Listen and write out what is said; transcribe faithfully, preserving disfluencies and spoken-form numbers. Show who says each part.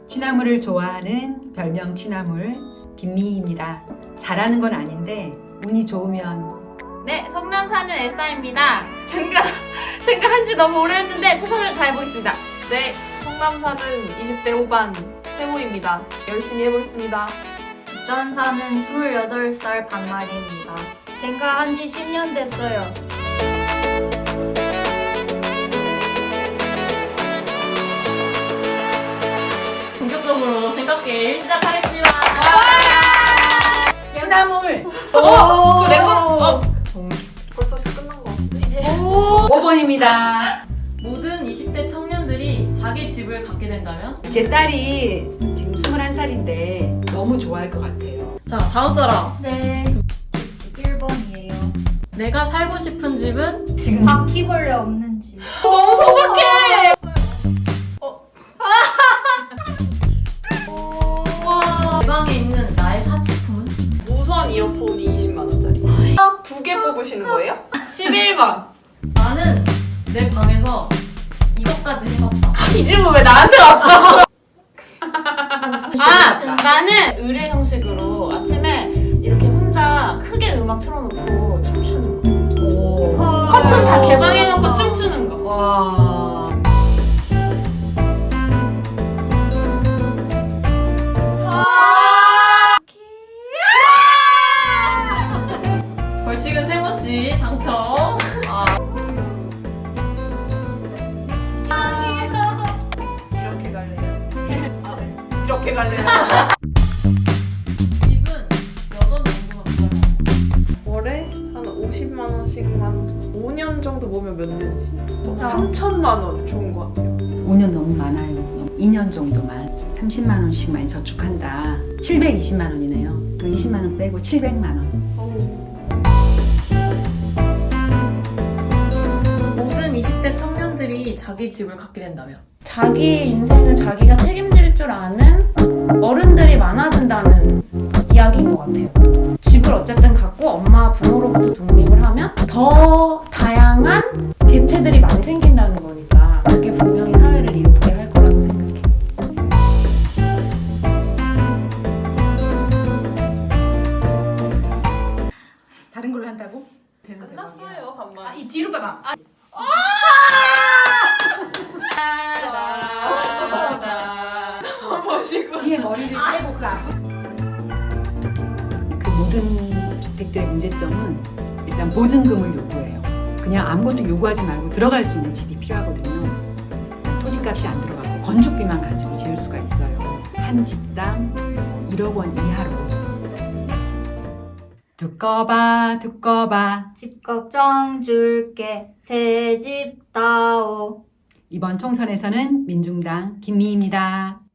Speaker 1: 취나물을 좋아하는 별명 취나물 김미희입니다. 잘하는 건 아닌데 운이 좋으면.
Speaker 2: 네, 성남 사는 엘사입니다. 제가 제가 한지 너무 오래 했는데 최선을 다해보겠습니다.
Speaker 3: 네, 성남 사는 이십 대 후반 세모입니다. 열심히 해보겠습니다.
Speaker 4: 부천 사는 스물여덟 살 박마리입니다. 제가 한지 십 년 됐어요.
Speaker 2: 본격적으로 쟁갑게 시작하겠습니다.
Speaker 1: 취나물
Speaker 2: 어, 내 건. 어,
Speaker 3: 벌써 끝난 거 같은데?
Speaker 2: 이제
Speaker 1: 오 번입니다.
Speaker 2: 모든 이십 대 청년들이 자기 집을 갖게 된다면?
Speaker 1: 제 딸이 지금 스물한 살인데 너무 좋아할 것 같아요.
Speaker 2: 자, 다음 사람.
Speaker 4: 네, 일 번이에요.
Speaker 2: 내가 살고 싶은 집은?
Speaker 1: 지금
Speaker 4: 바퀴벌레 없는 집.
Speaker 2: 너무 소박해. 와. 내 방에 있는 나의 사치품은?
Speaker 3: 무선 이어폰이 이십만 원짜리. 두 개 뽑으시는 거예요?
Speaker 2: 십일 번. 나는 내 방에서 이것까지 해봤다.
Speaker 3: 이 질문 왜 나한테 왔어?
Speaker 2: 아, 나는 의뢰 형식으로 아침에 이렇게 혼자 크게 음악 틀어놓고 춤추는 거.
Speaker 1: 오.
Speaker 2: 커튼 다 개방해놓고 춤추는 거.
Speaker 1: 와.
Speaker 2: 벌칙은 세모씨 당첨.
Speaker 3: 이렇게 갈래요. 아, 네. 이렇게 갈래요.
Speaker 2: 집은 몇 원 정도가 들어요?
Speaker 3: 월에 한 오십만 원씩만 오 년 정도 모으면 몇 년이지? 뭐
Speaker 4: 아.
Speaker 3: 삼천만 원 좋은 것 같아요.
Speaker 1: 오 년 너무 많아요. 이 년 정도만 삼십만 원씩만 저축한다. 칠백이십만 원이네요. 그 이십만 원 빼고 칠백만 원.
Speaker 2: 모든 이십 대 청년들이 자기 집을 갖게 된다면?
Speaker 5: 자기 인생을 자기가 책임질 줄 아는 어른들이 많아진다는 이야기인 것 같아요. 집을 어쨌든 갖고 엄마 부모로부터 독립을 하면 더 다양한 개체들이 많이 생긴다는 거니까 그게 분명히 사회를 이롭게 할 거라고 생각해요.
Speaker 1: 다른 걸로 한다고? 되는
Speaker 3: 끝났어요, 반만.
Speaker 1: 아, 이 뒤로 봐봐. 아,
Speaker 3: 멋이고.
Speaker 1: 뒤에 머리를 떼고 그 앞. 그 모든 주택들의 문제점은 일단 보증금을 요구해요. 그냥 아무것도 요구하지 말고 들어갈 수 있는 집이 필요하거든요. 토지값이 안 들어가고 건축비만 가지고 지을 수가 있어요. 한 집당 일억 원 이하로. 두꺼봐 두꺼봐.
Speaker 4: 집 걱정 줄게 새 집 다오.
Speaker 1: 이번 총선에서는 민중당 김미희입니다.